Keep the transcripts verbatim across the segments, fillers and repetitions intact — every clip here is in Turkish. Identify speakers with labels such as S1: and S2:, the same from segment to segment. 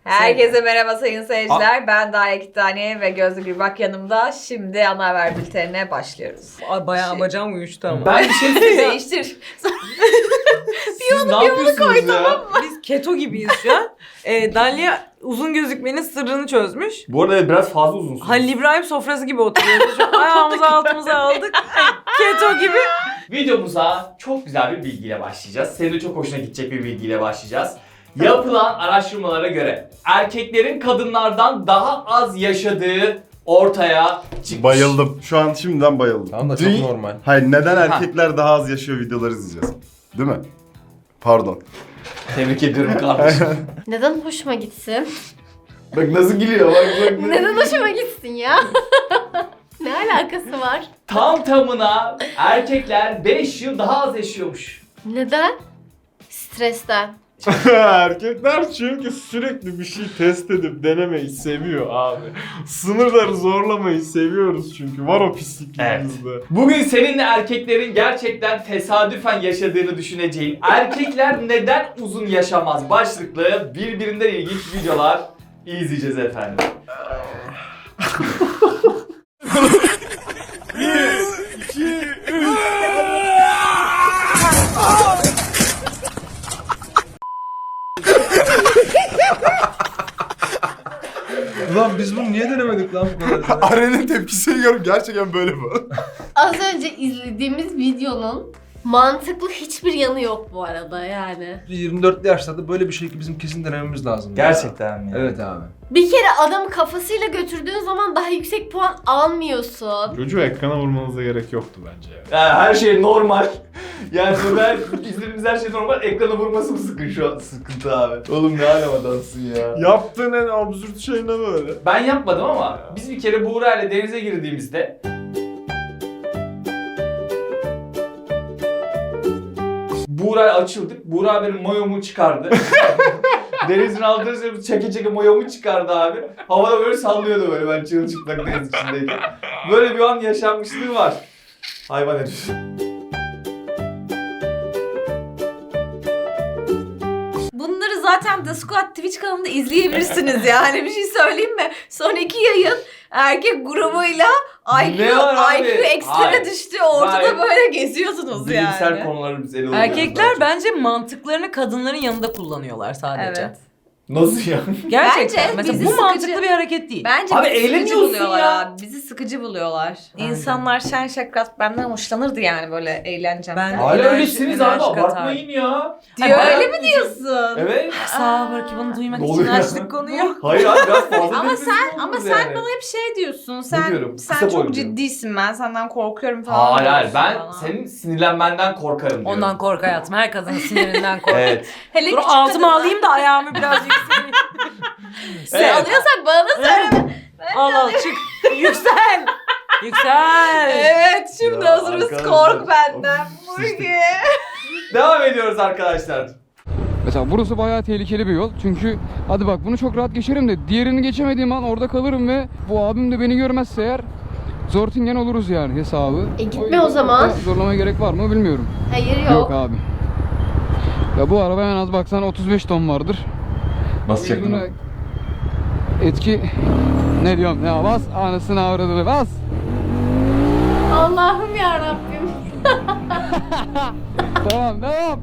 S1: Herkese merhaba sayın seyirciler. Ben Daya Kitaniye ve Gözde Gürbak yanımda. Şimdi ana haber bültenine başlıyoruz.
S2: Ay, bayağı
S1: Şey-
S2: bacağım uyuştu ama.
S3: Ben bir şey söyleyeyim.
S1: Değiştir.
S3: Siz ne yapıyorsunuz ya?
S2: Biz keto gibiyiz şu an. Ee, Dalia uzun gözükmenin sırrını çözmüş.
S3: Bu arada biraz fazla uzunsunuz.
S2: Halil İbrahim sofrası gibi oturuyoruz. Şu an ayağımızı altımıza aldık. Keto gibi.
S3: Videomuza çok güzel bir bilgiyle başlayacağız. Senin de çok hoşuna gidecek bir bilgiyle başlayacağız. Yapılan araştırmalara göre erkeklerin kadınlardan daha az yaşadığı ortaya çıkmış.
S4: Bayıldım. Şu an şimdiden bayıldım.
S5: Tamam da çok
S4: Dün-
S5: normal.
S4: Hayır, neden erkekler daha az yaşıyor videoları izleyeceğiz. Değil mi? Pardon.
S3: Tebrik ediyorum kardeşim.
S6: Neden hoşuma gitsin?
S4: Bak nasıl gülüyor, bak bak.
S6: Neden hoşuma gitsin ya? Ne alakası var?
S3: Tam tamına erkekler beş yıl daha az yaşıyormuş.
S6: Neden? Stresten.
S7: Erkekler çünkü sürekli bir şey test edip denemeyi seviyor abi. Sınırları zorlamayı seviyoruz çünkü. Var o pisliklerimizde.
S3: Bugün seninle erkeklerin gerçekten tesadüfen yaşadığını düşüneceğin erkekler neden uzun yaşamaz başlıklı birbirinden ilginç videolar izleyeceğiz efendim.
S5: Ulan biz bunu niye denemedik lan bu kadar?
S4: Aren'in tepkisini görüp gerçekten böyle bu.
S6: Az önce izlediğimiz videonun mantıklı hiçbir yanı yok bu arada yani.
S5: yirmi dörtlü yaşlarda böyle bir şey ki bizim kesin denememiz lazım.
S3: Gerçekten mi?
S5: Evet abi.
S6: Bir kere adamı kafasıyla götürdüğün zaman daha yüksek puan almıyorsun.
S7: Çocuğu ekrana vurmanıza gerek yoktu bence ya.
S3: Yani her şey normal. Yani burada izlediğimiz her şey normal. Ekrana vurması mı sıkın şu an? Sıkıntı abi. Oğlum ne alem adamsın ya.
S7: Yaptığın en absürt şey ne böyle?
S3: Ben yapmadım ama biz bir kere Buğra ile denize girdiğimizde Buğra'ya açıldık. Buğra benim mayomu çıkardı. Denizin altına sürüp çeke çeke mayomu çıkardı abi. Havada böyle sallıyordu böyle ben çırılçıplak deniz içindeyken. Böyle bir an yaşanmışlığı var. Hayvan herif.
S1: Bunları zaten The Squad Twitch kanalında izleyebilirsiniz yani. Bir şey söyleyeyim mi? Son iki yayın erkek grubuyla I Q,
S3: Ne var abi?
S1: I Q ekstreme
S3: Hayır.
S1: düştü. Ortada
S3: Hayır.
S1: böyle geziyorsunuz
S3: Bilimsel
S1: yani.
S3: konuları biz ele alıyoruz.
S2: Erkekler
S3: daha çok.
S2: bence mantıklarını kadınların yanında kullanıyorlar sadece.
S1: Evet.
S3: Nasıl ya?
S2: Gerçekten.
S1: Bence
S2: Mesela
S1: bizi
S2: bu
S1: sıkıcı-
S2: mantıklı bir hareket değil.
S1: Bence
S3: Abi
S1: bizi sıkıcı
S3: eğleniyorsun
S1: buluyorlar
S3: ya.
S1: abi. Bizi sıkıcı buluyorlar.
S2: Aynen.
S1: İnsanlar şen şakrat benden hoşlanırdı yani böyle eğlencem.
S2: Ben-
S3: Hala
S2: Enerji-
S3: öylesiniz abi
S2: enerji katar.
S3: abartmayın ya.
S1: Diyor
S3: Hayır,
S1: öyle mi
S3: bayağı-
S1: diyorsun?
S3: Evet.
S2: Sağ ol belki bunu duymak
S3: Ne
S2: için
S3: oluyor?
S2: açtık konuyu.
S3: Hayır abi biraz fazla
S1: Ama
S3: depresif
S1: sen ama
S3: oldunuz
S1: sen
S3: yani.
S1: bana hep şey diyorsun. Sen
S3: diyorum?
S1: sen
S3: Kısa
S1: çok
S3: boylu diyorum.
S1: ciddisin. Ben senden korkuyorum falan.
S3: Hayır hayır
S1: diyorsun
S3: ben
S1: bana.
S3: senin sinirlenmenden korkarım diyorum.
S2: Ondan kork hayatım. Her kadının sinirinden kork.
S3: Evet.
S1: Hele
S2: Dur
S1: küçük
S2: altıma
S1: kadınlar-
S2: alayım da ayağımı biraz yükseleyim.
S1: Sen
S3: Evet.
S1: alıyorsan bana da söyle.
S2: Al al çık. Yüksel. Yüksel.
S1: Evet şimdi
S3: Ya
S1: hazırız.
S3: arkadaşlar.
S1: Kork benden. Burgi.
S3: Devam ediyoruz arkadaşlar.
S8: Mesela burası bayağı tehlikeli bir yol. Çünkü hadi bak bunu çok rahat geçerim de diğerini geçemediğim an orada kalırım ve bu abim de beni görmezse eğer zortingen oluruz yani hesabı.
S6: E gitme
S8: yüzden
S6: o zaman.
S8: çok da Zorlamaya gerek var mı bilmiyorum.
S6: Hayır yok.
S8: Yok abi. Ya bu araba en az baksan otuz beş ton vardır.
S5: Basacaktın
S8: Buna etki ne diyorum ya bas anasını avradını bas.
S6: Allah'ım yarabbim.
S8: Tamam devam.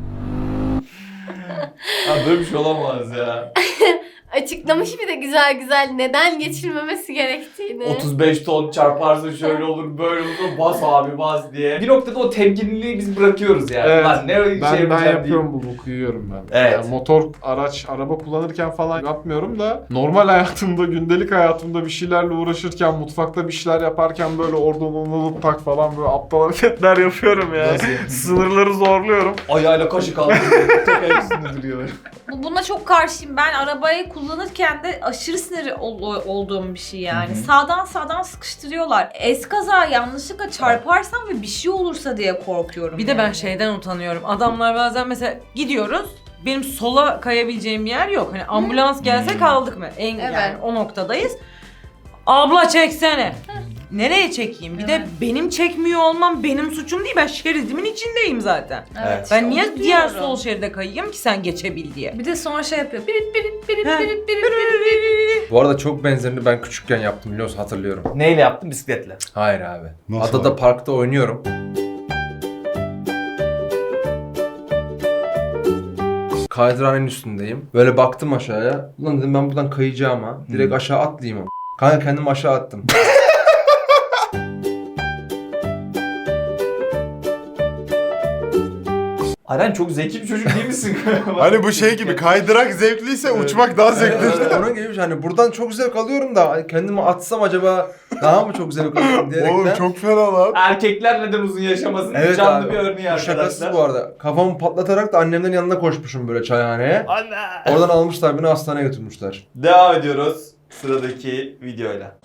S3: Ya böyle bir şey olamaz ya.
S6: Açıklamış bir de güzel güzel neden geçilmemesi gerektiğini.
S3: otuz beş ton çarparsın şöyle olur böyle olur bas abi bas diye. Bir noktada o temkinliliği biz bırakıyoruz yani.
S7: Evet.
S3: Lan ne öyle
S7: Ben,
S3: şey
S7: ben
S3: yapacağım
S7: yapıyorum bu boku yiyorum ben.
S3: Evet.
S7: Yani motor, araç, araba kullanırken falan yapmıyorum da normal hayatımda, gündelik hayatımda bir şeylerle uğraşırken, mutfakta bir şeyler yaparken böyle oradan onu tak falan böyle aptal hareketler yapıyorum yani.
S3: Nasıl yapıyorsun?
S7: Sınırları zorluyorum.
S3: Ayağıyla kaşık aldırıyor. Tek ayak üstünde duruyor.
S1: Bu- Buna çok karşıyım. Ben arabayı kullanırken de aşırı sinir ol- olduğum bir şey yani.
S3: Hı hı.
S1: Sağdan sağdan sıkıştırıyorlar. Eskaza yanlışlıkla çarparsam ve bir şey olursa diye korkuyorum.
S2: Bir de ben
S1: yani.
S2: şeyden utanıyorum. Adamlar bazen mesela gidiyoruz. Benim sola kayabileceğim bir yer yok. Hani ambulans gelse
S3: Hmm.
S2: kaldık mı? En
S1: Evet.
S2: yani o noktadayız. Abla çeksene. Nereye çekeyim? Bir
S1: Evet.
S2: de benim çekmiyor olmam benim suçum değil. Ben şeridimin içindeyim zaten.
S3: Evet.
S2: Ben niye
S1: Onu
S2: diğer
S1: diyorum.
S2: sol şeride kayayım ki sen geçebil diye?
S1: Bir de sonra şey yapıyor. Birit birit birit
S2: He.
S1: birit birit birit.
S5: Bu arada çok benzerini ben küçükken yaptım biliyor musun? Hatırlıyorum.
S3: Neyle yaptın? Bisikletle.
S5: Hayır abi.
S4: Nasıl
S5: Adada
S4: abi?
S5: parkta oynuyorum. Kaydıranenin üstündeyim. Böyle baktım aşağıya. Ulan dedim ben buradan kayacağım ha. Direkt aşağı atlayayım ama. Kanka kendimi aşağı attım.
S3: Aren çok zeki bir çocuk değil misin?
S4: Hani bu şey gibi kaydırak zevkliyse uçmak daha zevkli.
S5: Evet, onun gibi bir şey. Hani buradan çok zevk alıyorum da kendimi atsam acaba daha mı çok zevk alıyorum diyerekten.
S4: Oğlum çok fena lan.
S3: Erkekler neden uzun yaşamasın?
S5: Evet
S3: Canlı
S5: abi.
S3: bir örneği
S5: Bu
S3: arkadaşlar.
S5: şakasız bu arada. Kafamı patlatarak da annemlerin yanına koşmuşum böyle çayhaneye.
S3: Ana!
S5: Oradan almışlar beni hastaneye götürmüşler.
S3: Devam ediyoruz sıradaki videoyla.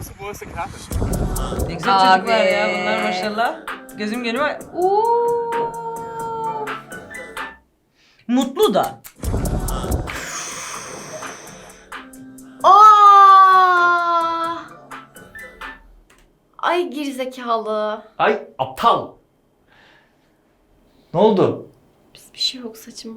S2: Ne güzel
S1: Abi.
S2: çocuklar ya bunlar maşallah. Gözüm geliyor.
S1: Uuu.
S2: Mutlu da.
S6: Aa! Ay gerizekalı.
S3: Ay aptal. Ne oldu?
S6: Bir şey yok saçım.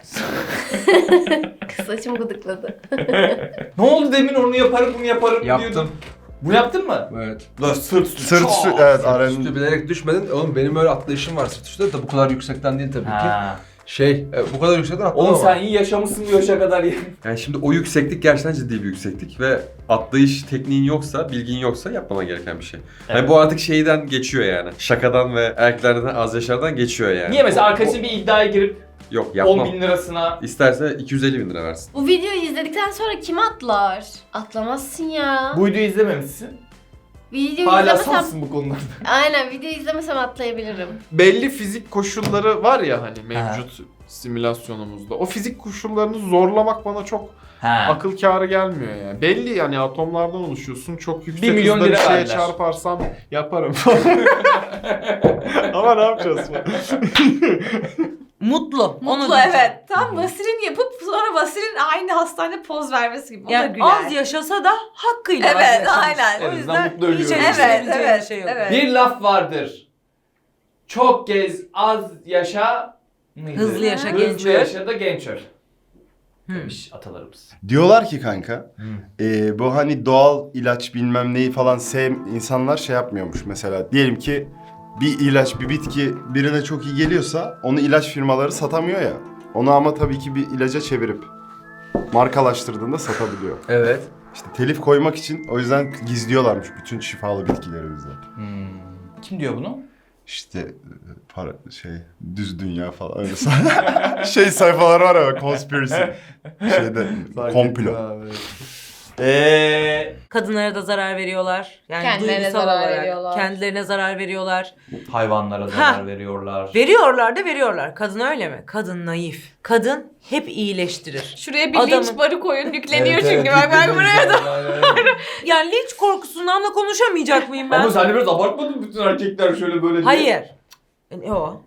S6: Saçım gıdıkladı.
S3: Ne oldu demin onu yaparım bunu yaparım
S5: Yaptım.
S3: diyordun. Bu yaptın mı?
S5: Evet.
S3: Lan sırt üstü.
S4: Sırt
S3: Çok.
S4: üstü evet
S5: Üstü
S4: Aren'in.
S5: bilerek düşmedin. Oğlum benim öyle atlayışım var sırt üstü de bu kadar yüksekten değil tabii ki.
S3: Ha.
S5: Şey, e, bu kadar yüksekten atlamam.
S3: Oğlum sen iyi yaşamışsın bu yaşa kadar ya.
S9: Yani şimdi o yükseklik gerçekten ciddi bir yükseklik ve atlayış tekniğin yoksa, bilgin yoksa yapmaman gereken bir şey. Yani
S3: Evet.
S9: bu artık şeyden geçiyor yani. Şakadan ve erkeklerden az yaşlardan geçiyor yani.
S3: Niye mesela
S9: O-
S3: arkadaşın bir iddiaya girip
S9: o- Yok yapmam.
S3: on bin lirasına
S9: İsterse iki yüz elli bin lira versin.
S6: Bu videoyu izledikten sonra kim atlar? Atlamazsın ya.
S3: bu videoyu izlememişsin.
S6: Videoyu
S3: Hala
S6: izlemesem...
S3: safsın bu konularda.
S6: Aynen videoyu izlemesem atlayabilirim.
S7: Belli fizik koşulları var ya hani mevcut simülasyonumuzda. O fizik koşullarını zorlamak bana çok
S3: Ha.
S7: akıl kârı gelmiyor yani. Belli yani atomlardan oluşuyorsun. Çok yüksek
S3: Bir milyon
S7: hızda bir
S3: lira
S7: şeye
S3: verdiler.
S7: çarparsam yaparım. Ama ne yapacağız?
S2: Mutlu. Onu
S1: Mutlu
S2: diyeceğim.
S1: evet. Tam vaselin yapıp sonra vaselin aynı hastanede poz vermesi gibi. O da
S2: Yani
S1: güler.
S2: az yaşasa da hakkıyla az
S1: Evet,
S2: yaşamış.
S1: aynen.
S2: O
S3: En azından
S2: yüzden
S3: mutlu
S2: hiç
S3: ölüyoruz.
S2: eleştirebileceğim
S1: Evet,
S2: bir şey yok.
S1: evet.
S3: Bir laf vardır. Çok gez, az yaşa mıydı?
S2: Hızlı yaşa,
S3: Hızlı
S2: genç öl.
S3: yaşa da genç öl.
S2: Hı.
S3: Demiş atalarımız.
S4: Diyorlar ki kanka e, bu hani doğal ilaç bilmem neyi falan sev insanlar şey yapmıyormuş mesela. Diyelim ki bir ilaç bir bitki birine çok iyi geliyorsa onu ilaç firmaları satamıyor ya. Onu ama tabii ki bir ilaca çevirip markalaştırdığında satabiliyor.
S5: Evet.
S4: İşte telif koymak için o yüzden gizliyorlarmış bütün şifalı bitkileri bizden.
S3: Hmm. Kim diyor bunu?
S4: İşte e, para şey düz dünya falan öyle say- şey sayfalar var ya conspiracy şeyde komplo.
S3: Eee
S2: Kadınlara da zarar veriyorlar. Yani
S6: Kendilerine
S2: duygusal
S6: zarar
S2: olarak.
S6: veriyorlar.
S2: Kendilerine zarar veriyorlar.
S3: hayvanlara zarar veriyorlar.
S2: Veriyorlar da veriyorlar. Kadın öyle mi? Kadın naif. Kadın hep iyileştirir.
S1: Şuraya bir
S2: Adamın-
S1: linç barı koyun yükleniyor çünkü. Bak bak buraya da.
S2: Yani linç korkusundan da konuşamayacak mıyım ben?
S3: Ama sen de biraz abartmadın mı bütün erkekler şöyle böyle diye?
S2: Hayır. Ne o?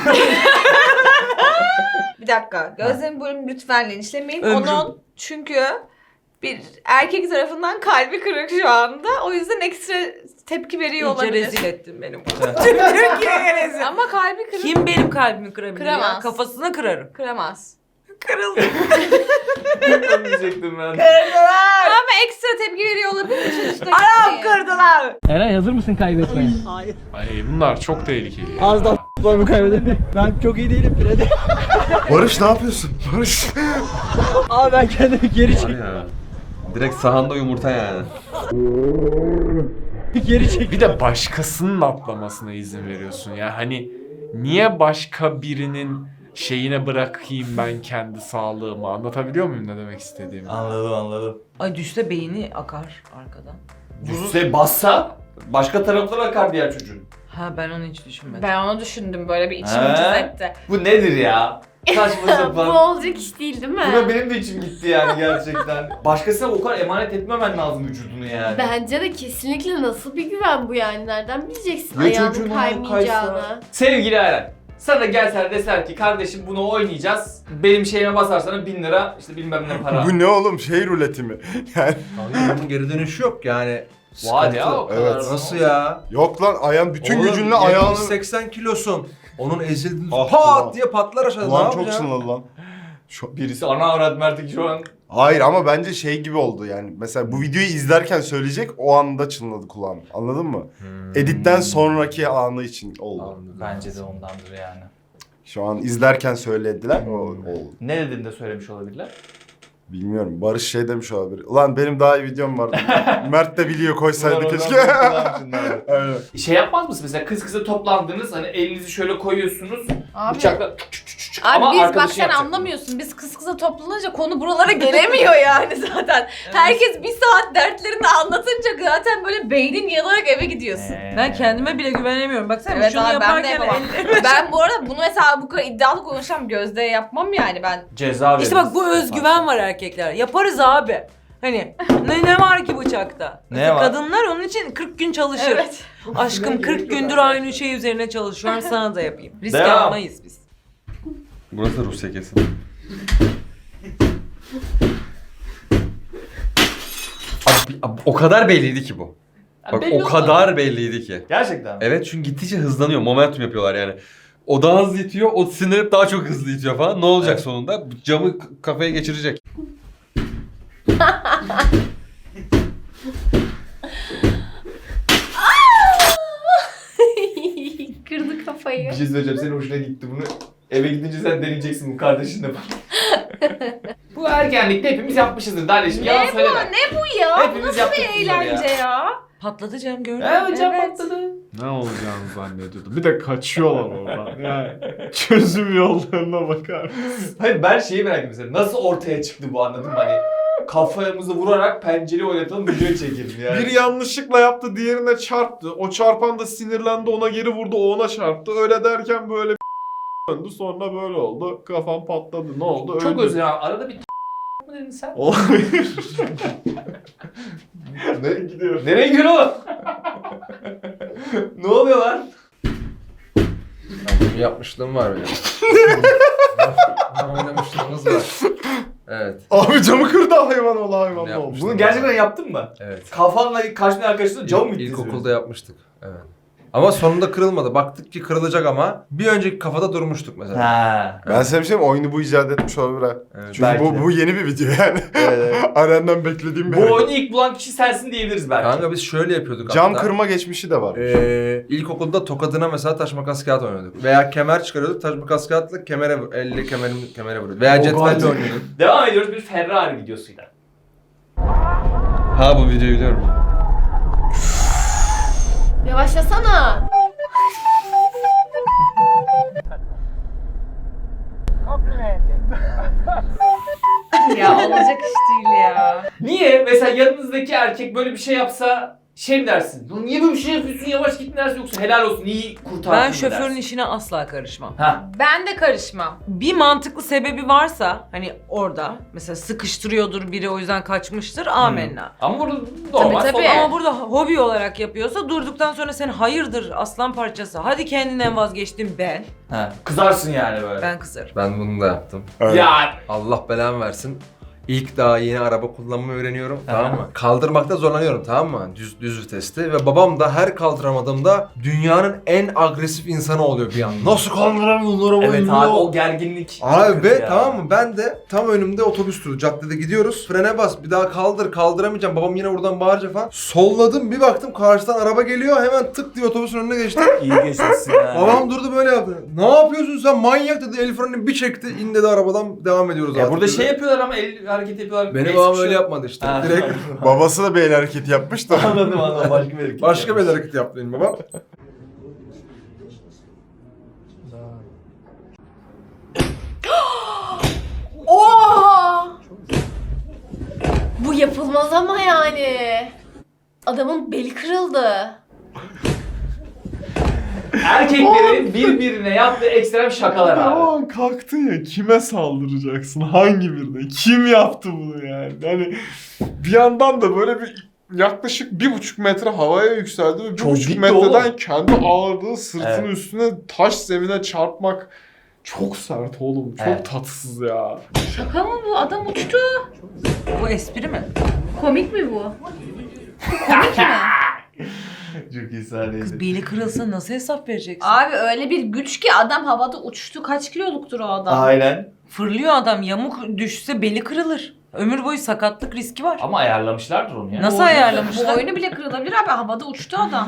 S1: Bir dakika. Gözlerimi bölüm lütfen linçlemeyin.
S2: Ömrüm.
S1: Onun çünkü bir erkek tarafından kalbi kırık şu anda. O yüzden ekstra tepki veriyor
S2: İyice
S1: olabilir.
S2: rezil ettin benim. Tüm Türkiye'ye rezil.
S1: Ama kalbi kırık.
S2: Kim benim kalbimi kırabilir ya?
S1: Kıramaz.
S2: Kafasına kırarım.
S1: Kıramaz.
S2: Kırıldı.
S3: Onu diyecektim ben.
S1: Ama ekstra tepki veriyor olabilir. Sonuçta
S2: Anam kırdılar.
S10: Eray hazır mısın kaybetmeye?
S7: Ay bunlar çok tehlikeli.
S10: Az daha var mı kaybederim? Ben çok iyi değilim Freddy.
S4: Barış ne yapıyorsun? Barış.
S10: Abi ben kendimi geri
S9: Var
S10: çek.
S9: ya. Direkt sahanda yumurta yani.
S10: Geri çek.
S7: Bir de başkasının atlamasına izin veriyorsun ya. Hani niye başka birinin şeyine bırakayım ben kendi sağlığımı? Anlatabiliyor muyum ne demek istediğimi?
S3: Anladım anladım.
S2: Ay düşse beyni akar arkadan.
S3: Düşse bassa başka taraflara akar diğer çocuğun.
S2: Ha ben onu hiç düşünmedim.
S1: Ben onu düşündüm böyle bir içim
S3: He?
S1: cız etti.
S3: Bu nedir ya? Saçma
S6: Bu
S3: sapan.
S6: olacak iş değil değil mi?
S3: Buna benim de içim gitti yani gerçekten. Başkasına o kadar emanet etmemen lazım vücudunu yani.
S6: Bence de kesinlikle nasıl bir güven bu yani? Nereden bileceksin
S3: Ya
S6: ayağının
S3: çocuğun
S6: kaymayacağını?
S3: kaysa. Sevgili Eren, sana gelseler deseler ki kardeşim bunu oynayacağız. Benim şeyime basarsan bin lira işte bilmem ne para.
S4: Bu ne oğlum şey ruleti mi? Yani
S5: Kanka bunun geri dönüşü yok yani.
S3: Vay ya o kadar.
S4: Evet.
S5: Nasıl ya?
S4: Yok lan ayağın bütün
S5: Oğlum,
S4: gücünle ayağını...
S5: seksen kilosun. Onun ezildiğini
S4: Ah,
S5: pat
S4: ulan.
S5: diye patlar aşağıda. Ne
S4: Ulan çok
S5: yapacaksın?
S4: sınırlı lan. Şu...
S3: Birisi ana avrat Mert'in şu an.
S4: Hayır ama bence şey gibi oldu yani. Mesela bu videoyu izlerken söyleyecek o anda çınladı kulağım. Anladın mı?
S5: Hmm.
S4: Editten sonraki anı için oldu.
S5: Anladım.
S3: Bence de ondandır yani.
S4: Şu an izlerken söylediler. O oldu.
S3: Ne dediğinde söylemiş olabilirler?
S4: Bilmiyorum. Barış şey demiş olabilir. Ulan benim daha iyi videom vardı. Mert de biliyor koysaydı
S3: Ulan
S4: keşke.
S3: oradan
S4: Aynen.
S3: Şey yapmaz mısın mesela kız kıza toplandınız hani elinizi şöyle koyuyorsunuz
S1: Abi,
S3: bıçakla
S1: abi
S3: ama
S1: biz bak
S3: arkadaşı
S1: sen
S3: yapacak.
S1: anlamıyorsun. Biz kız kıza toplanınca konu buralara gelemiyor yani zaten. Herkes bir saat dertlerini anlatınca zaten böyle beynin yanarak eve gidiyorsun.
S3: Ee.
S2: Ben kendime bile güvenemiyorum. Baksana
S1: Evet
S2: şunu
S1: abi, ben de
S2: yaparken
S1: yapamam.
S2: ellerim-
S1: Ben bu arada bunu mesela bu kadar iddialı konuşan Gözde yapmam yani ben.
S3: Ceza
S2: İşte bak bu özgüven var erkekler. Yaparız abi. Hani ne, ne var ki bıçakta?
S3: Ne
S2: Mesela
S3: var?
S2: Kadınlar onun için kırk gün çalışır.
S1: Evet.
S2: Aşkım kırk gündür aynı şey üzerine çalışıyorum, sana da yapayım. Risk
S3: Devam.
S2: almayız biz.
S9: Burası da Rusya kesin. Abi, abi, o kadar belliydi ki bu. Bak
S3: belli
S9: o
S3: oldu.
S9: kadar belliydi ki.
S3: Gerçekten mi?
S9: Evet çünkü gittikçe hızlanıyor. Momentum yapıyorlar yani. O daha hızlı itiyor, o sinirip daha çok hızlı itiyor falan. Ne olacak
S3: Evet.
S9: sonunda? Bu camı k- kafaya geçirecek.
S6: Kırdı kafayı.
S3: Bir şey söyleyeceğim senin hoşuna gitti bunu. Eve gidince sen deneyeceksin bu kardeşinle falan. Bu ergenlikte hepimiz yapmışızdır Darleşim. Yalan
S1: Ne bu?
S3: söyleme.
S1: Ne bu ya?
S3: Hepimiz
S1: Bu nasıl
S3: yaptık
S1: bir
S3: bunları
S1: eğlence ya?
S2: Patlatacağım gördün mü?
S3: Evet hocam
S1: Evet.
S3: patladı.
S7: Ne olacağını zannediyordum. Bir de kaçıyorlar oradan. Yani çözüm yollarına bakar mısın?
S3: Hayır ben şeyi merak ediyorum mesela. Nasıl ortaya çıktı bu anladın mı? Hani kafamızı vurarak pencereyi oynatalım video çekelim yani.
S7: Biri yanlışlıkla yaptı, diğerine çarptı. O çarpan da sinirlendi, ona geri vurdu, o ona çarptı. Öyle derken böyle bir döndü, sonra böyle oldu. Kafam patladı. Ne oldu?
S3: Çok
S7: Öldü.
S3: özür dilerim. Arada bir mı dedin sen?
S7: Olabilir. Nereye gidiyor?
S3: Nereye gidiyor oğlum? Ne oluyor lan?
S5: Bir yapmışlığım var benim. Oynamışlığımız var. Evet.
S4: Abi camı kırdı hayvan ola hayvan
S5: Bunu
S4: ne
S5: yapmıştım.
S4: olmuş?
S3: Bunu gerçekten yaptın mı?
S5: Evet.
S3: Kafanla karşına arkadaşına cam mı ittin?
S5: İlkokulda yapmıştık. Evet. Ama sonunda kırılmadı. Baktık ki kırılacak ama bir önceki kafada durmuştuk mesela.
S3: Ha.
S4: Ben sana bir şey mi? Oyunu bu icat etmiş olabilir ha.
S5: Evet.
S4: Çünkü
S3: Belki
S4: bu,
S3: de.
S4: bu yeni bir video yani.
S3: Evet.
S4: Aren'den beklediğim bir
S3: Bu
S4: hareket.
S3: oyunu ilk bulan kişi sensin diyebiliriz belki.
S5: Kanka biz şöyle yapıyorduk
S4: Cam
S5: hatta.
S4: kırma geçmişi de var.
S5: Ee, ilkokulda tokadına mesela taş makas kağıt oynuyorduk. Veya kemer çıkarıyorduk, taş makas kağıtla kemere vur, elle kemerim, kemere vuruyorduk. Veya
S3: O
S5: cetvelle
S3: kadar.
S5: oynuyorduk.
S3: Devam ediyoruz bir Ferrari videosuyla.
S9: Ha bu videoyu biliyorum.
S6: Yavaşlasana.
S1: Ya olacak iş değil ya.
S3: Niye? Mesela yanınızdaki erkek böyle bir şey yapsa şey mi dersin? "Lan niye böyle bir şey yapıyorsun yavaş git mi dersin yoksa helal olsun iyi kurtardın
S2: Ben
S3: mı
S2: şoförün
S3: dersin?
S2: işine asla karışmam.
S3: Ha.
S1: Ben de karışmam.
S2: Bir mantıklı sebebi varsa hani orada mesela sıkıştırıyordur biri o yüzden kaçmıştır amenna.
S3: Ama burada normal
S1: Tabii, tabii.
S3: falan.
S2: Ama burada hobi olarak yapıyorsa durduktan sonra sen hayırdır aslan parçası hadi kendinden vazgeçtim ben.
S3: Ha. Kızarsın yani böyle.
S2: Ben kızarım.
S5: Ben bunu da yaptım.
S4: Evet.
S3: Ya
S5: Allah belamı versin. İlk daha yeni araba kullanmayı öğreniyorum, tamam mı? Kaldırmakta zorlanıyorum, tamam mı? Düz düz viteste ve babam da her kaldıramadığımda dünyanın en agresif insanı oluyor bir an. Nasıl kaldıramıyorsun arabayı?
S3: evet
S5: ya?
S3: abi o gerginlik.
S5: Abi
S3: çok
S5: ve
S3: kötü ya.
S5: tamam mı, ben de tam önümde otobüs duru, caddede gidiyoruz, frene bas, bir daha kaldır, kaldıramayacağım, babam yine buradan bağıracak falan. Solladım, bir baktım karşıdan araba geliyor, hemen tık diye otobüsün önüne geçtim.
S3: İyi geçmişsin ya.
S5: Babam durdu böyle yaptı. Ne yapıyorsun sen manyak dedi, el frenini bir çekti, in dedi arabadan, devam ediyoruz
S3: Ya
S5: artık
S3: burada
S5: dedi.
S3: şey yapıyorlar ama el hareket yapıyorlar.
S5: Benim
S3: el
S5: babam
S3: sıkışıyor.
S5: öyle yapmadı işte.
S3: Ha.
S5: Direkt
S4: Babası da bir el hareketi yapmış da.
S3: Anladım anladım başka bir hareket.
S5: başka bir
S3: yapmış.
S5: hareket yaptı benim babam.
S6: Oha! Bu yapılmaz ama yani. Adamın beli kırıldı.
S3: Erkeklerin birbirine yaptığı ekstrem şakalar
S7: O
S3: abi.
S7: an kalktın ya, kime saldıracaksın? Hangi birine? Kim yaptı bunu yani? Yani bir yandan da böyle bir yaklaşık bir buçuk metre havaya yükseldi ve bir
S3: Çok
S7: buçuk
S3: gitti
S7: metreden
S3: oğlum.
S7: kendi ağırlığı sırtının
S3: Evet.
S7: üstüne taş zemine çarpmak çok sert oğlum. Çok
S3: Evet.
S7: tatsız ya.
S1: Şaka mı bu? Adam uçtu.
S2: Bu espri mi?
S1: Komik mi bu? Komik mi?
S3: Çok iyi sahneydi.
S2: Beli kırılsa nasıl hesap vereceksin?
S1: Abi öyle bir güç ki adam havada uçtu. Kaç kiloluktur o adam?
S3: Aynen.
S2: Fırlıyor adam, yamuk düşse beli kırılır. Ömür boyu sakatlık riski var.
S3: Ama ayarlamışlardır onu ya.
S2: Nasıl
S1: Boynu-
S2: ayarlamışlar?
S1: Boynu bile kırılabilir abi. Havada uçtu adam.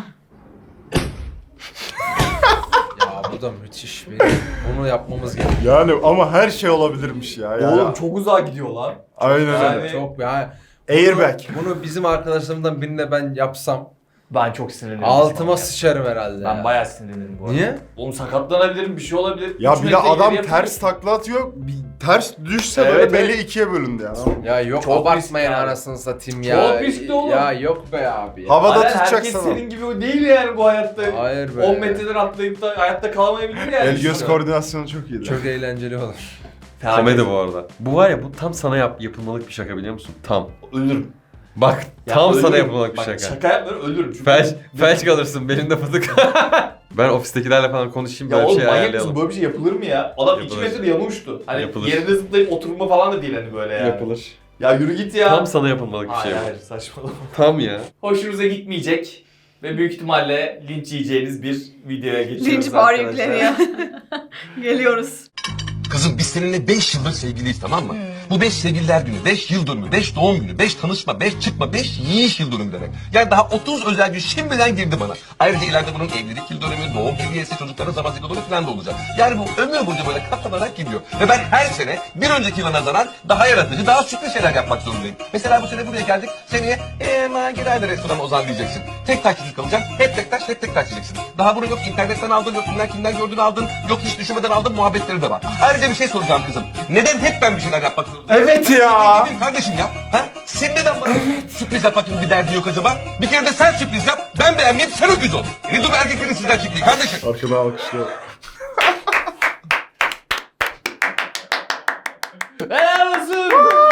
S5: Ya bu da müthiş bir. Bunu yapmamız gerekiyor.
S4: Yani ama her şey olabilirmiş ya. ya.
S3: Oğlum çok uzağa gidiyor lan.
S4: Aynen
S3: Yani-
S4: öyle.
S5: Çok ya.
S4: Airbag.
S5: Bunu bizim arkadaşlarımdan birine ben yapsam
S3: Ben çok sinirlenirim.
S5: altıma
S3: ya.
S5: sıçarım herhalde.
S3: Ben
S5: ya.
S3: bayağı sinirlenirim bu arada.
S5: Niye?
S3: Oğlum sakatlanabilirim, bir şey olabilir.
S4: Ya
S3: Üç
S4: bir de
S3: metre
S4: adam
S3: ileri
S4: ters takla atıyor. Bir ters düşse
S3: Evet,
S4: böyle beli
S3: evet.
S4: ikiye bölündü yani.
S5: Ya yok
S3: Çok
S5: abartmayın
S3: riskli abi.
S5: anasını satayım
S3: Çok
S5: ya.
S3: riskli oğlum.
S5: Ya yok be abi. Ya.
S4: Havada
S3: Aynen,
S4: tutacak
S3: herkes
S4: sana.
S3: senin gibi değil yani bu hayatta.
S5: Hayır be.
S3: on metreden atlayıp da hayatta kalamayabilir yani.
S4: El göz koordinasyonu çok iyiydi.
S5: Çok eğlenceli olur.
S9: Komedi bu arada. Bu var ya, bu tam sana yap yapılmalık bir şaka, biliyor musun? Tam.
S3: Ölürüm.
S9: Bak
S3: Ya
S9: tam sana
S3: ölürüm.
S9: yapılmalık bir
S3: Bak,
S9: şaka.
S3: Şaka yapmıyorum, ölürüm. Çünkü
S9: Felç, felç kalırsın belimde fıtık. Ben ofistekilerle falan konuşayım,
S3: Ya
S9: böyle bir
S3: oğlum
S9: şey
S3: manyak mısın?
S9: ayarlayalım.
S3: Böyle bir şey yapılır mı ya? Adam iki
S9: Yapılır.
S3: metre yamulmuştu. Hani
S9: Yapılır.
S3: yerinde zıplayıp oturma falan da değil hani böyle yani.
S9: Yapılır.
S3: Ya yürü git ya.
S9: Tam sana yapılmalık bir şey
S3: Hayır
S9: bu.
S3: hayır saçmalama.
S9: Tam ya.
S3: Hoşunuza gitmeyecek ve büyük ihtimalle linç yiyeceğiniz bir videoya geçiyoruz
S1: Linç bar
S3: arkadaşlar.
S1: yükleniyor. Geliyoruz.
S11: Kızım biz seninle beş yıldır sevgiliyiz, tamam mı? Bu beş sevgililer günü, beş yıl dönümü, beş doğum günü, beş tanışma, beş çıkma, beş yiyiş yıl dönümü demek. Yani daha otuz özel gün şimdiden girdi bana. Ayrıca ileride bunun evlilik yıl dönümü, doğum hediyesi, çocukların zaman yıl dönümü falan da olacak. Yani bu ömür boyunca böyle katlanarak gidiyor. Ve ben her sene bir önceki yıla nazaran daha yaratıcı, daha sürpriz şeyler yapmak zorundayım. Mesela bu sene buraya geldik, seneye eee gider restorana Ozan diyeceksin. Tek taksicilik alacaksın, hep tek taş, hep tek taş diyeceksin. Daha bunu yok internetten aldın, yok kimden kimden gördün aldın, yok hiç düşünmeden aldın, muhabbetleri de var. Ayrıca bir şey soracağım kızım. Neden hep ben bir şeyler yapmak zorundayım?
S4: Evet ya.
S11: Değil kardeşim ya. Ha? Sen neden bana sürpriz yapmak gibi bir derdin yok acaba? Bir kere de sen sürpriz yap, ben beğenmeyeyim, sen öküz ol. Ne dur erkeklerin sizden çektiği kardeşim.
S4: Arkada alkışlıyor.
S3: Helal olsun.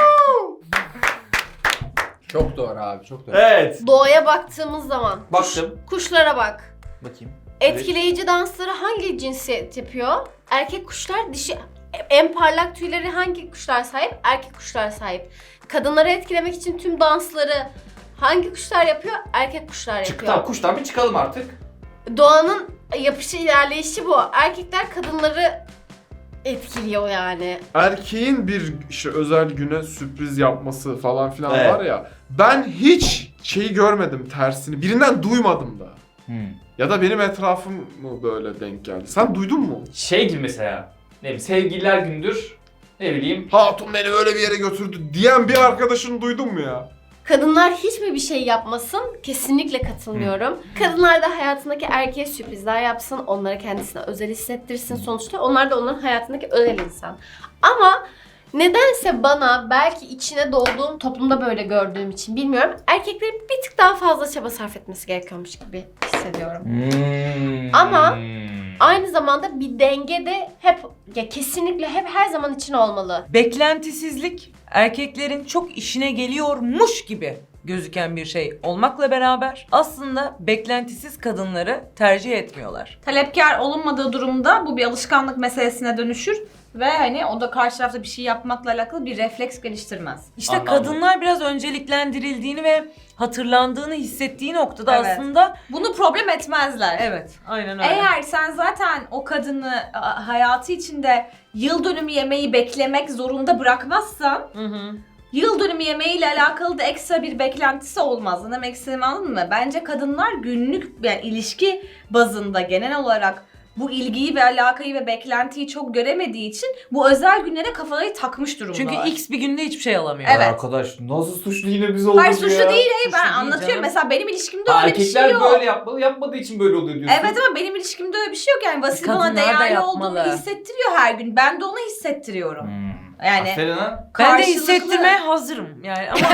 S5: Çok doğru abi, çok doğru.
S3: Evet.
S6: Doğaya baktığımız zaman
S3: Baktım.
S6: kuşlara bak.
S3: Bakayım.
S6: Etkileyici dansları hangi cinsiyet yapıyor? Erkek kuşlar, dişi en parlak tüyleri hangi kuşlar sahip? Erkek kuşlar sahip. Kadınları etkilemek için tüm dansları hangi kuşlar yapıyor? Erkek kuşlar yapıyor.
S3: Çık tamam, kuştan bir çıkalım artık.
S6: Doğanın yapışı, ilerleyişi bu. Erkekler kadınları etkiliyor yani.
S7: Erkeğin bir işte özel güne sürpriz yapması falan filan
S3: Evet.
S7: var ya. Ben hiç şeyi görmedim tersini. Birinden duymadım da.
S3: Hmm.
S7: Ya da benim etrafım mı böyle denk geldi? Sen duydun mu?
S3: Şey gibi mesela. Ne bileyim sevgililer gündür. Ne bileyim.
S7: Hatun beni öyle bir yere götürdü diyen bir arkadaşını duydun mu ya?
S6: Kadınlar hiç mi bir şey yapmasın? Kesinlikle katılmıyorum. Kadınlar da hayatındaki erkeğe sürprizler yapsın, onları kendisine özel hissettirsin sonuçta. Onlar da onların hayatındaki özel insan. Ama nedense bana, belki içine doğduğum toplumda böyle gördüğüm için bilmiyorum, erkeklerin bir tık daha fazla çaba sarf etmesi gerekiyormuş gibi hissediyorum.
S3: Hmm.
S6: Ama aynı zamanda bir denge de hep, ya kesinlikle hep her zaman için olmalı.
S2: Beklentisizlik erkeklerin çok işine geliyormuş gibi gözüken bir şey olmakla beraber aslında beklentisiz kadınları tercih etmiyorlar.
S1: Talepkar olunmadığı durumda bu bir alışkanlık meselesine dönüşür ve hani o da karşı tarafta bir şey yapmakla alakalı bir refleks geliştirmez.
S2: İşte
S3: Anladım.
S2: kadınlar biraz önceliklendirildiğini ve hatırlandığını hissettiği noktada
S1: Evet.
S2: aslında
S1: Bunu problem etmezler.
S2: evet, aynen öyle.
S1: Eğer sen zaten o kadını a, hayatı içinde yıl dönümü yemeği beklemek zorunda bırakmazsan,
S2: Hı hı.
S1: yıl dönümü yemeğiyle alakalı da ekstra bir beklentisi olmaz. Ne demek istediğimi anladın mı? Bence kadınlar günlük, yani ilişki bazında genel olarak bu ilgiyi ve alakayı ve beklentiyi çok göremediği için bu özel günlere kafayı takmış durumdalar.
S2: Çünkü X bir günde hiçbir şey alamıyor.
S1: Evet.
S3: Arkadaş nasıl suçlu yine biz olduk
S1: Hayır
S3: ya.
S1: suçlu değil, hayır
S2: Suçlu
S1: ben
S2: değil
S1: anlatıyorum.
S2: canım.
S1: Mesela benim ilişkimde
S3: Ha,
S1: öyle bir
S3: erkekler
S1: şey yok.
S3: böyle yapmalı, yapmadığı için böyle oluyor diyorsun.
S1: Evet ama benim ilişkimde öyle bir şey yok yani. Vasil bana
S2: Kadınlar da
S1: değerli
S2: yapmalı.
S1: olduğunu hissettiriyor her gün. Ben de ona hissettiriyorum.
S3: Hmm.
S1: Yani
S3: Aferin ha.
S2: Ben de
S1: karşılıklı
S2: hissettirmeye hazırım yani ama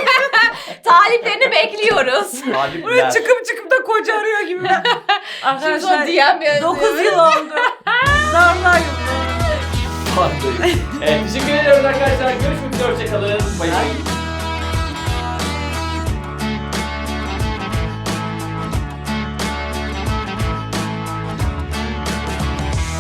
S1: taliplerini bekliyoruz.
S2: buraya
S3: Talipler.
S2: çıkıp çıkıp da koca arıyor gibi.
S1: Şimdi o
S2: Arkadaşlar
S1: D M yazıyor.
S2: dokuz yıl oldu. Zarlar yıldı.
S3: Evet, teşekkür ediyoruz arkadaşlar. Görüşmek üzere. Hoşçakalın. Bay bay.